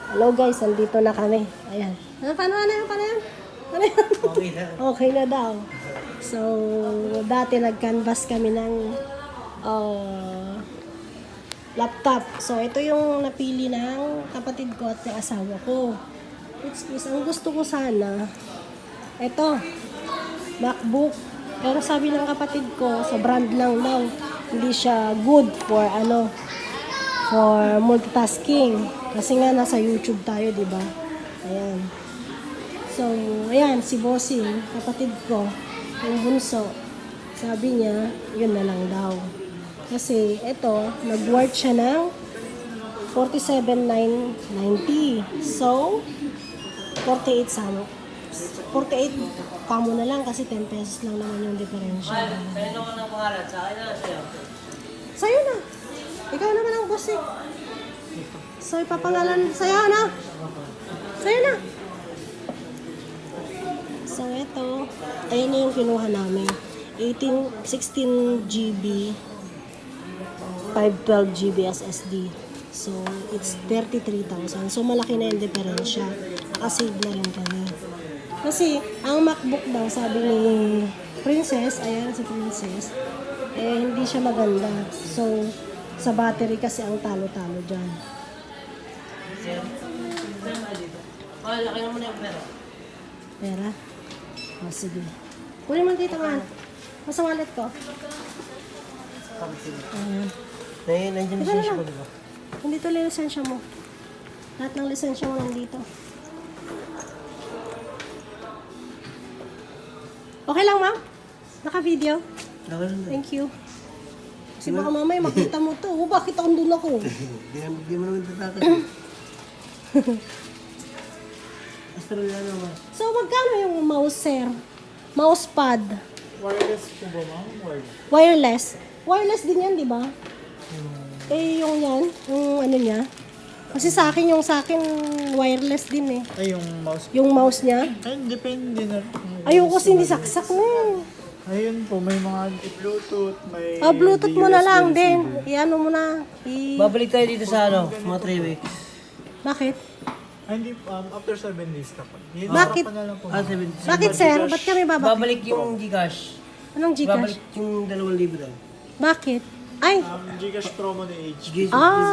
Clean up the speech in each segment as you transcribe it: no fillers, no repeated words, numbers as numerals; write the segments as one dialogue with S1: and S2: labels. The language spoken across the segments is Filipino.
S1: Hello guys, nandito na kami. Ayan. Paano yan? Ano yan?
S2: Okay na.
S1: Okay na daw. So, dati nag-canvas kami ng laptop. So, ito yung napili ng kapatid ko at ng asawa ko. Which is, ang gusto ko sana, ito, MacBook. Pero sabi ng kapatid ko, sa brand lang daw, hindi siya good for for multitasking. Kasi nga nasa YouTube tayo, di ba? Ayan. So, ayan, si Bossing, kapatid ko, yung bunso, sabi niya, yun na lang daw. Kasi, ito, nag-worth siya ng 47,990. So, 48 sama. 48 kamo na lang kasi 10 pesos lang naman yung differential.
S2: Sa'yo naman ang pangalan. Sa akin na sa'yo.
S1: Sa'yo na. Ikaw naman ang boss eh. So, ipapangalan sa'yo na. Sa'yo na. So, ito. Ayun na yung kinuha namin. 16 GB, 512 GB SSD. So, it's 33,000. So, malaki na yung diferensya. Nakasave na rin kami. Kasi, ang MacBook daw, sabi ni Princess, ayan si Princess, hindi siya maganda. So, sa battery kasi ang talo-talo dyan.
S2: Laki naman yung pera.
S1: Pera? O, sige. Kunin mo dito nga. Masa wallet ko. Ayan.
S2: Nandiyan
S1: Ito na
S2: siya
S1: lang.
S2: ko, di ba?
S1: Nandito lang yung lisensya mo. Lahat ng lisensya mo nandito. Okay lang, ma'am? Naka-video?
S2: Laki lang.
S1: Thank you. Kasi baka mamaya makita mo to. Oh, bakit andun ako?
S2: Di mo naman tatakas. Basta rin lang naman.
S1: So, magkano yung mouse, sir? Mousepad?
S3: Wireless po ba, ma'am?
S1: Wireless? Wireless din yan, di ba? Yung yan, yung ano niya. Kasi sa akin wireless din eh.
S3: Ay, yung mouse.
S1: Yung mouse niya.
S3: Ay, depende na.
S1: Ayoko kasi hindi saksak na eh.
S3: Ayun po, may mga Bluetooth, may...
S1: Bluetooth mo na
S3: USB
S1: lang din.
S3: receiver.
S1: I-ano mo na.
S2: Babalik tayo dito sa mga 3 weeks.
S1: Bakit?
S3: Ay, hindi, after 7 days kapag. Yun,
S1: Bakit?
S3: harapan na lang po.
S2: 7.
S1: Bakit, sir? Ba't kami babalik?
S2: Babalik yung Gcash.
S1: Anong Gcash?
S2: Babalik yung 2,000 daw.
S1: Bakit? Ay!
S3: Gcash promo ni HP.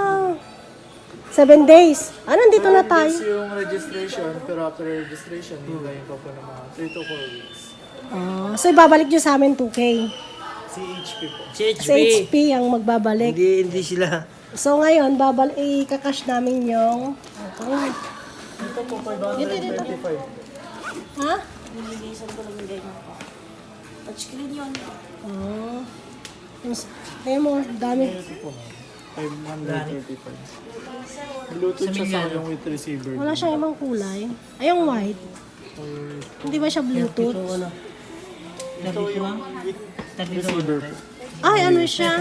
S1: 7 days. Nandito na tayo.
S3: Days yung registration, pero after registration, hintayin pa po ng mga 3 to 4 weeks.
S1: So, ibabalik nyo sa amin 2K.
S3: Si HP po.
S2: Si HP.
S1: Sa HP ang magbabalik.
S2: Hindi sila.
S1: So, ngayon, ikakash namin yung...
S3: Ito po, 535.
S1: Ha?
S4: Nililisan ko lang yung ganyan ko. Touchscreen yun.
S1: Ayun mo, dami.
S3: Ito po, 535. Bluetooth siya sa yung with receiver.
S1: Wala siyang ibang kulay. Ay, yung white. Hindi ba siya Bluetooth?
S3: Ito yung with receiver po.
S1: Ay, ano siya?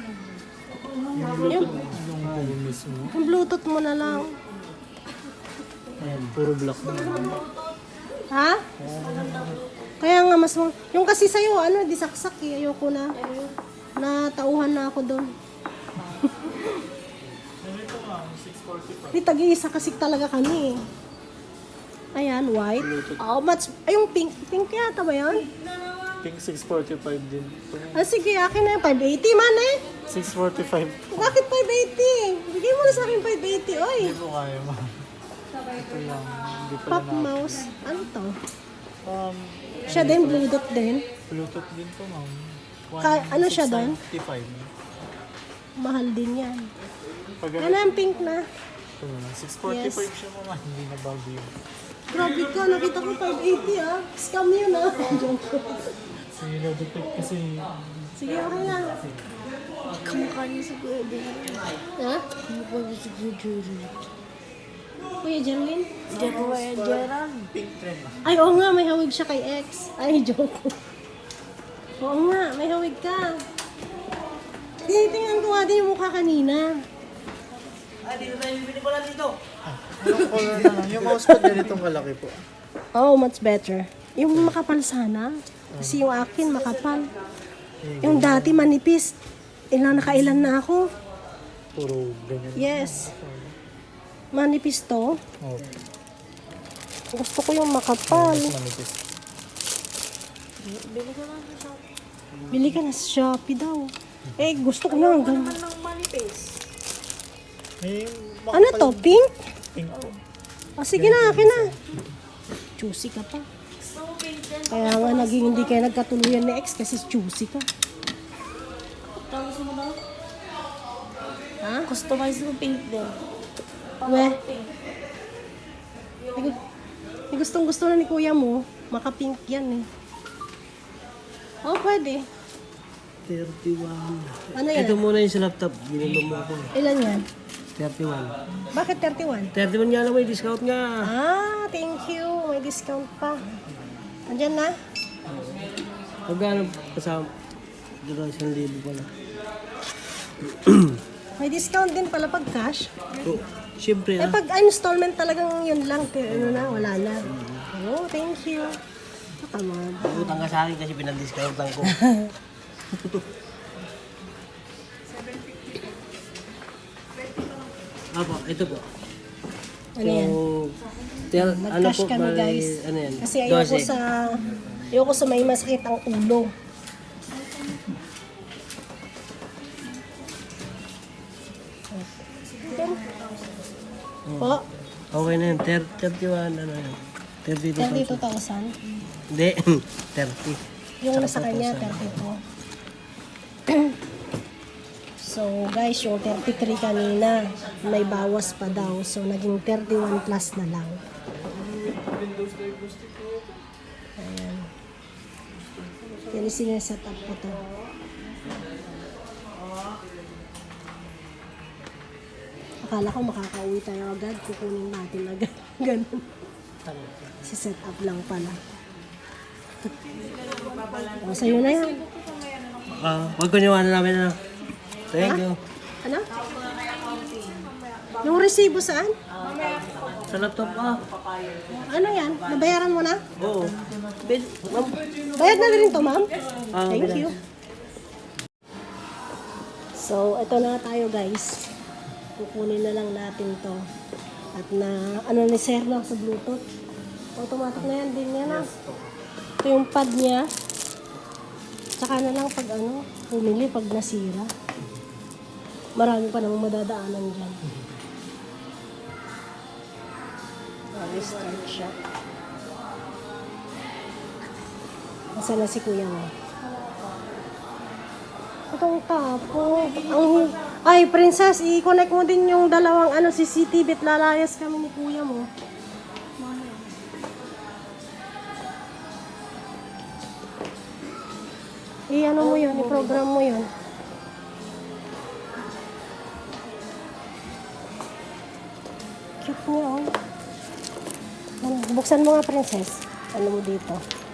S3: Yung phone mismo.
S1: Yung Bluetooth mo na lang.
S3: Ayan, puro black na.
S1: Ha? Kaya nga mas... Yung kasi sa'yo, di saksak eh. Ayoko na. Natauhan na ako doon.
S3: Ito nga, 645.
S1: Di tag-iisa kasi talaga kami eh. Ayan, white. Ay, yung pink. Pink yata ba yan?
S3: Pink 645 din.
S1: Sige, akin na yung 580 man eh.
S3: 645.
S1: Bakit 580? Bigay mo na sa akin 580, oy.
S3: Hindi mo kaya, ma'am. Ito lang. Hindi pala
S1: Pop
S3: na.
S1: mouse. Ano to?
S3: Um,
S1: Siya din, Bluetooth din.
S3: Bluetooth din to, ma'am.
S1: Ano siya doon?
S3: 165.
S1: Mahal din yan.
S3: Pag
S1: Ano yung pink na?
S3: ito na, 645 siya, ma'am. Hindi na bago yun.
S1: Grabe ka, nakita ko 580 ah. Scam yun ah. Joke ko.
S3: Sige, na-detect kasi
S1: Sige, okay lang.
S4: Kamukha niya sa Kuya Jerry.
S1: Ha?
S4: Kamukha niya sa Kuya Jerry.
S1: Kuya Jerwin?
S4: Kuya Gerald.
S3: pink trend na.
S1: Ay, oo nga, may hawig siya kay ex. Ay, joke. Oo nga, may hawig ka. Tinitingnan ko nga din yung mukha kanina.
S2: Dito tayo bibili pala dito.
S3: Yung color na lang. Yung mousepad ganitong kalaki po.
S1: Oh, much better. Yung makapal sana. Kasi yung akin makapal. Yung dati manipis. Nakailan na ako.
S3: Puro ganyan.
S1: Yes. Manipis to.
S3: Oh,
S1: Gusto ko yung makapal.
S3: mas manipis.
S4: Bili ko lang sa shop.
S1: Bili ka na sa Shopee daw. Eh, gusto ko na. Ganun.
S4: Naman ng manipis.
S3: May
S1: Ano to? Pink?
S3: pink po.
S1: O, sige na, akin na. Choosy ka pa.
S4: Gusto mo pink din?
S1: Kaya nga naging hindi kayo nagkatuluyan ni ex kasi choosy ka.
S4: Tapos mo daw?
S1: Ha?
S4: Customize mo pink din.
S1: Weh,
S4: Pink.
S1: may gustong gusto na ni kuya mo. Maka-pink yan eh. Oh, pwede.
S2: 31.
S1: Ano yan?
S2: Ito muna yung sa laptop. Ginulong mo ako eh.
S1: Ilan yan?
S2: 31.
S1: Bakit 31?
S2: 31 nga lang, may discount nga.
S1: Ah, thank you. May discount pa. Andyan na?
S2: Magkano kasama? Dito 1,000 pala.
S1: May discount din pala pag cash.
S2: So, siyempre
S1: Eh pag installment talagang yun lang. Ano na, wala na. Oh, thank you. Nakamad.
S2: utang ka sa akin kasi pinag-discountan ko. Apo, ito po.
S1: Ano yan?
S2: Ano
S1: Nag-cash
S2: po,
S1: kami
S2: bali,
S1: guys.
S2: ano yan?
S1: Kasi ayoko
S2: 12.
S1: sa may masakit ang ulo. Po,
S2: Okay na yun, 31, ano yun? 32,000.
S1: 32,000.
S2: Hindi, 30.
S1: Yung nasa kanya, 32. So guys, yung 33 kanina, may bawas pa daw. So naging 31 plus na lang. Ayan. Yan yung sineset up ko to. Akala ko makakauwi tayo agad, kukunin natin agad. Ganun. Si set up lang pala. O, sa'yo na yan.
S2: Huwag ko niwanan namin na. Thank you.
S1: Ano? Yung resibo saan?
S2: Sa laptop ah.
S1: Ano yan? Nabayaran mo na?
S2: Oo.
S1: Bayad na rin to, ma'am?
S2: Ah,
S1: Thank
S2: okay.
S1: you. So, ito na tayo guys. Kukunin na lang natin to. At na, ano ni Sir na sa Bluetooth. Automatic na yan din yan ah. Ito yung pad niya. Tsaka na lang pag ano, pumili pag nasira. Marami pa namang madadaanan dyan. Restart siya. Nasaan na si kuya mo? Itong tapo. Ay, princess, i-connect mo din yung dalawang CCTV at lalayas kami ni kuya mo. I-ano mo yun, i-program mo yun. Cute niya, oh. Ano, buksan mo nga, princess. Ano mo dito?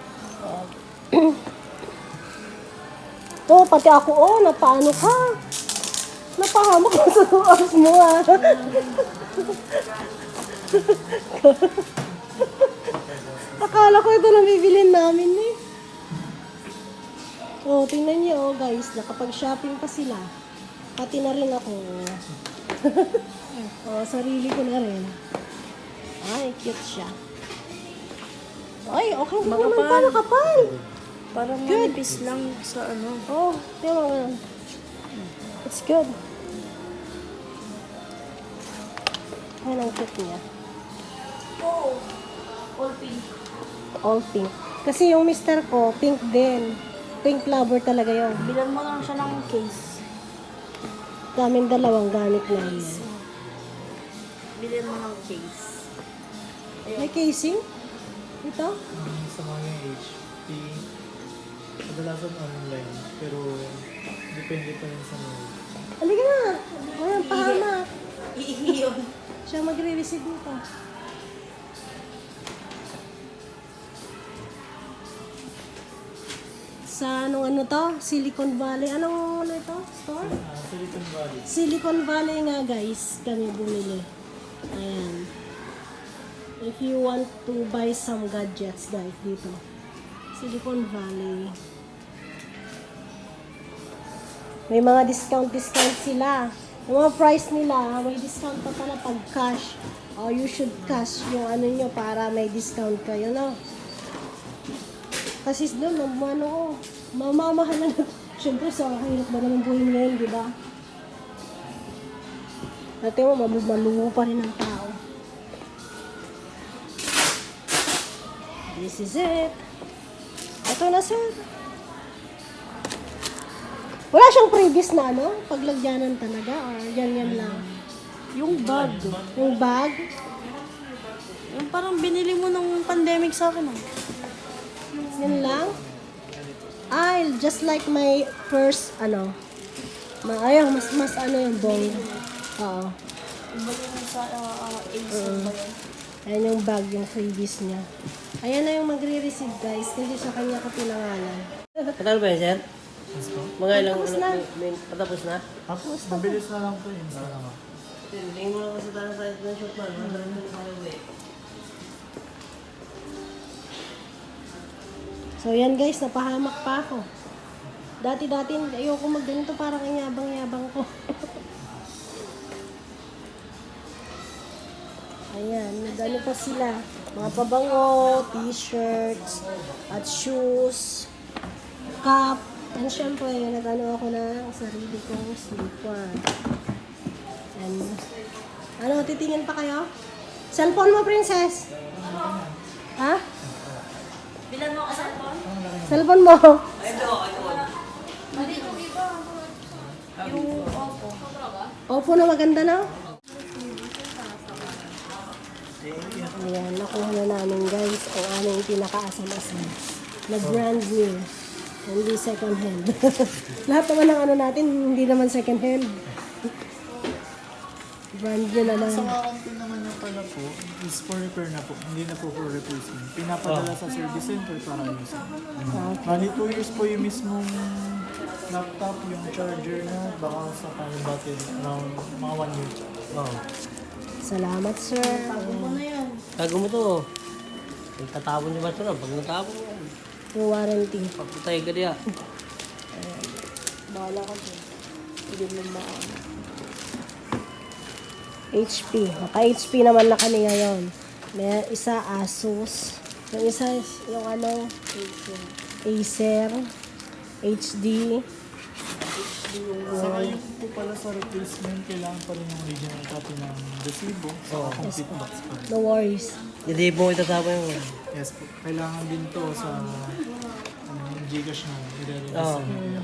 S1: Oh, pati ako, oh, napaano ka? Napahamak ko sa tuwas mo, ah. Akala ko ito na bibilin namin, eh. Oh, tingnan niyo, oh, guys, nakapag-shopping pa sila. Pati na rin ako. Oh, sarili ko na rin. Ay, cute siya. Ay, okay na naman pala kapal.
S4: Parang manipis lang sa ano.
S1: Oh, tingnan mo ganun. It's good. Ayan ang cute niya.
S4: Oh, all pink.
S1: All pink. Kasi yung mister ko, pink din. Pink lover talaga yun.
S4: Bilan mo lang siya ng case.
S1: Daming dalawang gamit na yun.
S4: Bilan mo ng case.
S1: May casing? Ito?
S3: Sa mga HP, kadalasan online, pero depende pa rin sa mga.
S1: Halika na. Walang pahamak.
S4: Iiyon.
S1: Siya magre-receive nito. Sa anong ano to? Silicon Valley. Anong ano ito? Store?
S3: Silicon Valley.
S1: Silicon Valley nga guys, kami bumili. Ayan. If you want to buy some gadgets guys, dito. Silicon Valley. May mga discount sila. Yung mga price nila, may discount pa pala pag cash. Oh, you should cash yung ano nyo para may discount kayo, no? Kasi doon, mamamahal na. Siyempre, sa hirap ba naman buhay ngayon, di ba? Dati mo, maluho pa rin ang tao. This is it. Ito na, sir. Wala siyang previous na, ano? Paglagyanan talaga, or yan lang.
S4: Yung bag.
S1: Yung bag,
S4: Yung parang binili mo nung pandemic sa akin. Ah.
S1: yan lang. Just like my first, ayun, mas ano yung bong. Oo.
S4: Iba yung sa Acer ba yun?
S1: Ayan yung bag, yung freebies niya. Ayan na yung magre-receive, guys, kasi sa kanya ko pinangalan.
S2: Patalo ba yan, sir?
S3: Yes po.
S2: Mga ilang,
S1: Patapos na.
S2: patapos na?
S3: Tapos, mabilis na lang po yun. Sana
S2: Tingin mo lang kasi tayo sa ng shot man. Masalang mo tayo eh.
S1: So yan guys, napahamak pa ako. Dati-dati, ayoko magganito para kay yabang-yabang ko. Ayan, nagano pa sila. Mga pabango, t-shirts, at shoes, cup. And syempre, nagano ako ng sarili kong slipper. And, titingin pa kayo? Cellphone mo, princess? Ha?
S4: Bilan mo ka sa phone?
S1: Cellphone mo?
S4: Mali yung iba. Yung Oppo.
S1: Oppo na maganda na. Ayan, nakuha na namin guys ang aming pinaka-asam-asam na brand new. Hindi second hand. Lahat naman ng ano natin, hindi naman second hand. Brand new na lang.
S3: Sa warranty naman yung pala po, is for repair na po. Hindi na po for replacement. Pinapadala sa service center para ayusin. Bali 2 years po yung mismong laptop, yung charger na, baka sa yung battery, around mga 1 year.
S2: Oo.
S1: Salamat sir.
S4: Ano na yan?
S2: Tago mo to. Tatapon niyo ba ito na? Pag natapon mo,
S1: Yung warranty.
S2: pagputay ka diya.
S4: Bahala ka dyan. Hindi mo maano.
S1: HP. Naka-HP naman na kami ngayon. May isa Asus. Yung isa, yung Acer. HD.
S3: Saka yung po pala sa replacement, kailangan pa rin yung original copy ng resibo sa complete box pa rin.
S1: No worries.
S2: Hindi mo itatapon yung...
S3: Yes po. Kailangan din to sa Gcash na
S2: Oo.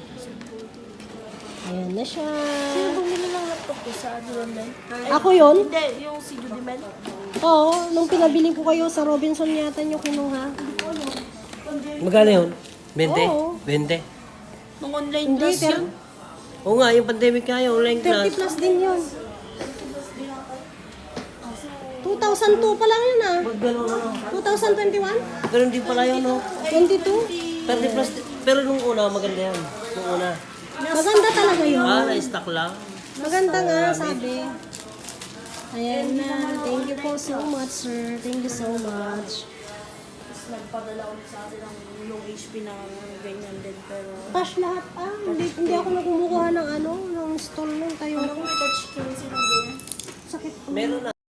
S1: Ayan na siya.
S4: Sino bumili ng laptop ko sa ano online?
S1: Ako yun?
S4: Hindi, yung si Judy Mel.
S1: Oo, nung pinabili ko kayo sa Robinson yata nyo kinuha.
S2: Magkano yun? 20?
S1: Oo.
S2: 20?
S4: Nung online
S1: Hindi,
S4: class
S1: pero
S4: yun.
S2: Oo nga, yung pandemic nga, yung online
S1: 30
S2: class.
S1: plus din yun. 2002 pa lang yun ah.
S2: Ganun ano.
S1: 2021?
S2: Pero hindi pala yun, no?
S1: 22?
S2: 30 plus, pero nung una, maganda yan. Nung una.
S1: Maganda talaga yun.
S2: Na-stock lang.
S1: Maganda nga, sabi. Ayan na. Thank you po so much, sir. Thank you so much.
S4: Tapos nagpadala ulit sa atin ng yung HP na ganyan din. Pero
S1: Cash lahat ah. Hindi ako nagkumukuha ng ng stall nung tayo.
S4: ano kung may touchscreen silang ganyan?
S1: Sakit.
S2: Meron na.